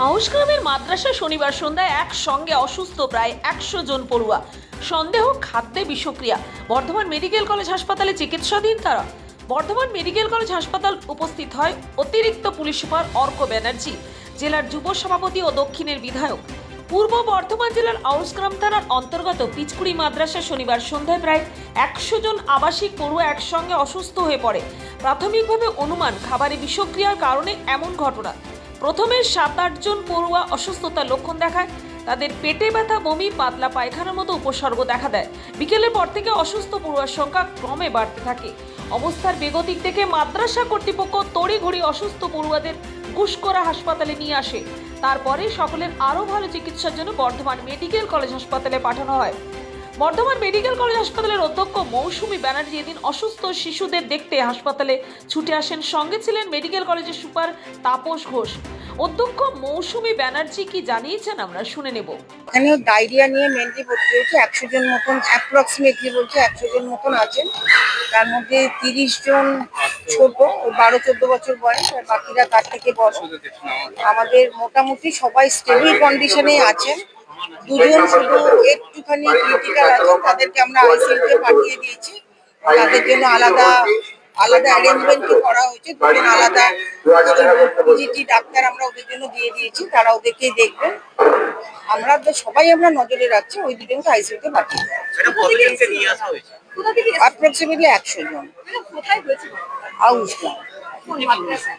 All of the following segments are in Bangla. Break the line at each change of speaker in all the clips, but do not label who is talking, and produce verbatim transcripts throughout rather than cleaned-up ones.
আউশগ্রামের মাদ্রাসা শনিবার সন্ধ্যায় একসঙ্গে অসুস্থ প্রায় একশো জন পড়ুয়া। সন্দেহ খাদ্যে বিষক্রিয়া। বর্ধমান মেডিকেল কলেজ হাসপাতালে চিকিৎসাধীন তারা। বর্ধমান মেডিকেল কলেজ হাসপাতাল উপস্থিত হয় অতিরিক্ত পুলিশ সুপার অর্ক ব্যানার্জি, জেলার যুব সভাপতি ও দক্ষিণের বিধায়ক। পূর্ব বর্ধমান জেলার আউশগ্রাম থানার অন্তর্গত পিচকুড়ি মাদ্রাসা শনিবার সন্ধ্যায় প্রায় একশো জন আবাসিক পড়ুয়া একসঙ্গে অসুস্থ হয়ে পড়ে। প্রাথমিকভাবে অনুমান খাবারে বিষক্রিয়ার কারণে এমন ঘটনা। প্রথমে সাত আট জন পড়ুয়া অসুস্থতার লক্ষণ দেখায়। তাদের পেটে ব্যথা, বমি, পাতলা পায়খানার মতো উপসর্গ দেখা দেয়। বিকেলের পর থেকে অসুস্থ পড়ুয়ার সংখ্যা ক্রমে বাড়তে থাকে। অবস্থার বেগতিক দেখে মাদ্রাসা কর্তৃপক্ষ তড়িঘড়ি অসুস্থ পড়ুয়াদের গুসকরা হাসপাতালে নিয়ে আসে। তারপরে সকলের আরও ভালো চিকিৎসার জন্য বর্ধমান মেডিকেল কলেজ হাসপাতালে পাঠানো হয়। বর্ধমান মেডিকেল কলেজ হাসপাতালের অধ্যক্ষ মৌসুমী ব্যানার্জি এদিন অসুস্থ শিশুদের দেখতে হাসপাতালে ছুটে আসেন। সঙ্গে ছিলেন মেডিকেল কলেজের সুপার তাপস ঘোষ। অধ্যক্ষ মৌসুমী ব্যানার্জি কি জানিয়েছেন আমরা শুনে নেব।
এখানে ডায়রিয়া নিয়ে মেনলি ভর্তি হয়েছে একশো জন মতন, অ্যাপ্রক্সিমেটলি বলছে একশো জন মতন আছেন। তার মধ্যে তিরিশ জন ছোট, বারো চোদ্দ বছর বয়স, আর বাকিরা তার থেকে বড়। আমাদের মোটামুটি সবাই স্টেবল কন্ডিশনে আছেন। দুজন শুধু একটুখানি ক্রিটিক্যাল আছেন, তাদেরকে আমরা আইসিইউতে পাঠিয়ে দিয়েছি। তাদের জন্য আলাদা আলাদা অ্যারেঞ্জমেন্ট করা হয়েছে। দুজন আলাদা পিজিটি ডাক্তার আমরা ওদের জন্য দিয়ে দিয়েছি, তারা ওদেরকেই দেখবেন। আমরা সবাই আমরা নজরে রাখছি, ওই দুজনকে আইসিইউতে পাঠিয়ে অ্যাপ্রক্সিমেটলি একশো জন। আউশগ্রাম মাদ্রাসা।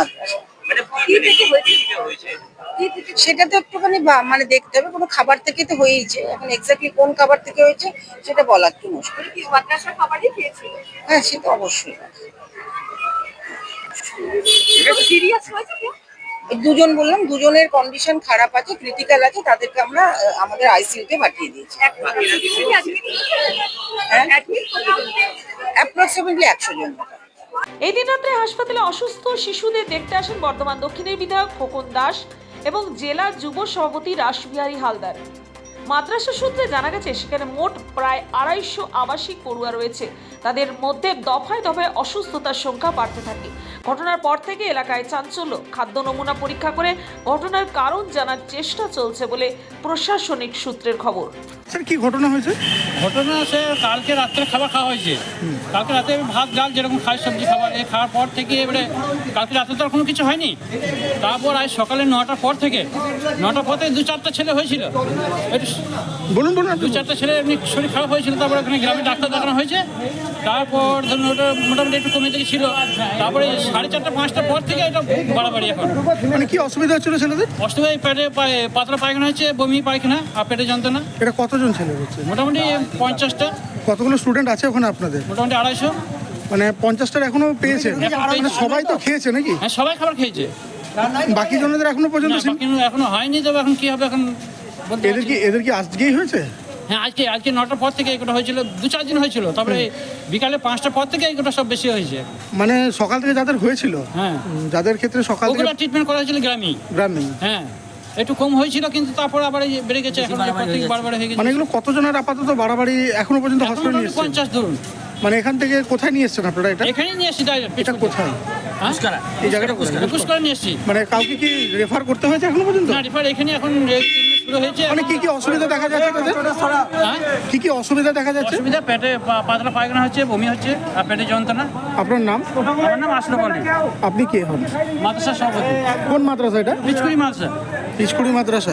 সেটা তো একটুখানি মানে দেখতে হবে, কোনো খাবার থেকে তো হয়েইছে। এখন এক্স্যাক্টলি কোন খাবার থেকে হয়েছে সেটা বলা একটু মুশকিল। হ্যাঁ, সেটা অবশ্যই। দুজন বললাম, দুজনের কন্ডিশন খারাপ আছে, ক্রিটিক্যাল আছে, তাদেরকে আমরা আমাদের আইসিইউতে পাঠিয়ে দিয়েছি। অ্যাপ্রক্সিমেটলি একশো জন।
এই দিন রাত্রে হাসপাতালে অসুস্থ শিশুদের দেখতে আসেন বর্ধমান দক্ষিণের বিধায়ক খোকন দাস এবং জেলা যুব সভাপতি রাসবিহারী হালদার। মাদ্রাসা সূত্রে জানা গেছে সেখানে মোট প্রায় আড়াইশো আবাসিক পড়ুয়া রয়েছে। তাদের মধ্যে দফায় দফায় অসুস্থতার সংখ্যা বাড়তে থাকে। ঘটনার পর থেকে এলাকায় চাঞ্চল্য। খাদ্য নমুনা পরীক্ষা করে ঘটনার কারণ জানার চেষ্টা চলছে বলে প্রশাসনিক সূত্রের খবর।
স্যার, কি ঘটনা হয়েছে?
ঘটনা সে কালকে রাত্রে খাবার খাওয়া হয়েছে। কালকে রাতে ভাত ডাল যেরকম খাই, সবজি খাবার, এই খাওয়ার পর থেকে এবারে কালকে রাতে তো আর কোনো কিছু হয়নি। তারপর আজ সকালে নটার পর থেকে নটার পর থেকে দু চারটা ছেলে হয়েছিল।
বলুন বলুন।
দু চারটা ছেলে এমনি শরীর খারাপ হয়েছিল। তারপর ওখানে গ্রামে ডাক্তার দেখানো হয়েছে। তারপর ধরুন ওটা মোটামুটি একটু কমে থেকে ছিল। তারপরে সাড়ে চারটা পাঁচটার পর থেকে এটা বাড়াবাড়ি। এখন
মানে কি অসুবিধা হচ্ছিল ছেলেদের?
অসুবিধা পেটে পাতলা পায়খানা হয়েছে, বমি পায়খানা আর পেটে যন্ত্রণা।
এটা কতজন ছেলে হচ্ছে?
মোটামুটি পঞ্চাশটা।
কতগুলো স্টুডেন্ট আছে ওখানে আপনাদের?
মোটামুটি আড়াইশো।
মানে পঞ্চাশটার এখনো পেয়েছেন? মানে সবাই তো খেয়েছে নাকি?
হ্যাঁ, সবাই খাবার খেয়েছে।
বাকি জনদের এখনো পর্যন্ত
এখনো হয়নি, তবে এখন কি হবে এখন।
এদের কি এদের কি আজকেই হয়েছে?
হ্যাঁ, আজকে আজকে নটার পর থেকে এগুলো হয়েছিল, দু চার দিন হয়েছিল। তারপরে বিকালে পাঁচটার পর থেকে এগুলো সব বেশি হয়েছে।
মানে সকাল থেকে যাদের হয়েছিল,
হ্যাঁ,
যাদের ক্ষেত্রে সকাল থেকে
ট্রিটমেন্ট করা হয়েছিল গ্রামে
গ্রামে
হ্যাঁ, একটু কম হয়েছিল, কিন্তু তারপর আবার বেড়ে গেছে। এখন বারবার হয়ে গেছে।
মানে এগুলো কতজনের আপাতত বাড়াবাড়ি এখনো পর্যন্ত হসপিটালে নিয়ে এসেছেন?
পঞ্চাশ ধরুন।
মানে এখান থেকে কোথায় নিয়ে এসেছেন আপনারা? এটা
এখানেই নিয়ে এসেছি।
এটা কোথায়? এই জায়গাটা
গুসকরা নিয়ে এসেছি।
মানে কাউকে কি রেফার করতে হয়েছে এখনো পর্যন্ত?
না, রেফার এখানে এখন শুরু হয়েছে।
মানে কি কি অসুবিধা দেখা যাচ্ছে তাদের?
হ্যাঁ,
কি কি অসুবিধা দেখা যাচ্ছে?
অসুবিধা পেটে পাতলা পায়খানা হচ্ছে, বমি হচ্ছে আর পেটে যন্ত্রণা।
আপনার নাম?
আমার নাম আশরাফ আলী।
আপনি কে হন?
মাদ্রাসা সভাপতি।
কোন মাদ্রাসা এটা?
পিচকুড়ি মাদ্রাসা।
পিচকুড়ি মাদ্রাসা।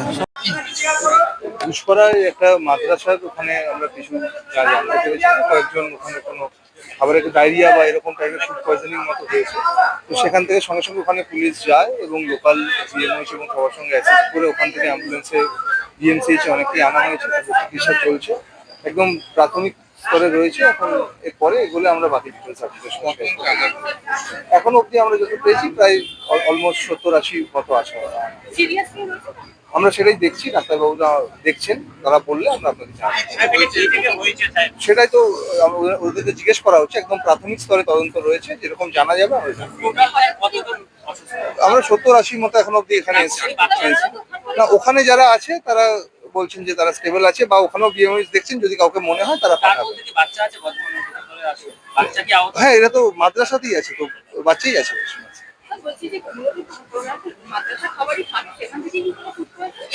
গুসকরায় একটা মাদ্রাসার ওখানে আমরা কিছু যা জানতে পেরেছি, কয়েকজন ওখানে কোনো খাবারের ডায়রিয়া বা এরকম টাইপের ফুড পয়জনিং মতো হয়েছে। তো সেখান থেকে সঙ্গে সঙ্গে ওখানে পুলিশ যায় এবং লোকাল জিএমওইচ এবং সবার সঙ্গে অ্যাসিস্ট করে ওখান থেকে অ্যাম্বুলেন্সে ডিএমসিএইচে অনেকেই আনা হয়েছে। তাদের চিকিৎসা চলছে, একদম প্রাথমিক স্তরে রয়েছে। এখন এরপরে এগুলো আমরা বাকি ডিটেলস অ্যাপ্লিকেশন এখন অবধি আমরা যত পেয়েছি প্রায় অলমোস্ট সত্তর আশি মতো আছে। আমরা সেটাই দেখছি, ডাক্তারবাবুরা দেখছেন, তারা বললে আমরা আপনাকে সেটাই তো ওদেরকে জিজ্ঞেস করা হচ্ছে। একদম প্রাথমিক স্তরে তদন্ত রয়েছে, যেরকম জানা যাবে আমরা সত্তর আশি মতো এখন অব্দি এখানে এসেছি। না, ওখানে যারা আছে তারা বলছেন যে তারা স্টেবল আছে, বা ওখানেও বিএমওইচ দেখছেন, যদি কাউকে মনে হয় তারা পাঠাবে। হ্যাঁ, এরা তো মাদ্রাসাতেই আছে, তো বাচ্চাই আছে।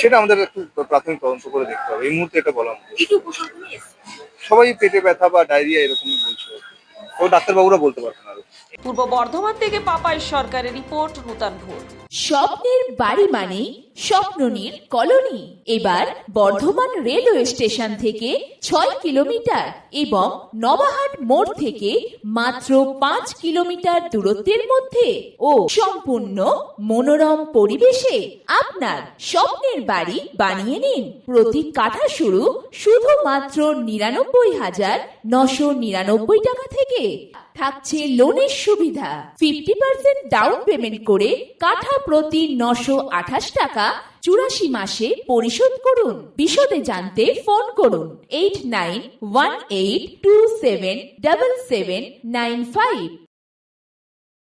সেটা আমাদের একটু প্রাথমিক তদন্ত করে দেখতে হবে, এই মুহূর্তে এটা বলা মুশকিল।
কি কি উপসর্গ নিয়ে এসেছে?
সবাই পেটে ব্যথা বা ডায়রিয়া এরকমই বলছে, তো ডাক্তারবাবুরা বলতে পারবেন আরো।
পূর্ব বর্ধমান থেকে পাপাই সরকারের রিপোর্ট, নূতন ভোর।
স্বপ্নের বাড়ি মানে স্বপ্ননীর কলোনি। এবার বর্ধমান রেলওয়ে স্টেশন থেকে ছয় কিলোমিটার এবং নবাহাট মোড় থেকে মাত্র পাঁচ কিলোমিটার দূরত্বের মধ্যে ও সম্পূর্ণ মনোরম পরিবেশে আপনার স্বপ্নের বাড়ি বানিয়ে নিন। প্রতি কাঠা শুরু শুধুমাত্র নিরানব্বই হাজার নশো নিরানব্বই টাকা থেকে। থাকছে লোনের সুবিধা, ফিফটি পার্সেন্ট ডাউন পেমেন্ট করে কাঠা প্রতি নশো আঠাশ টাকা চুরাশি মাসে পরিশোধ করুন। বিশদে জানতে ফোন করুন eight nine one eight two seven double seven nine five.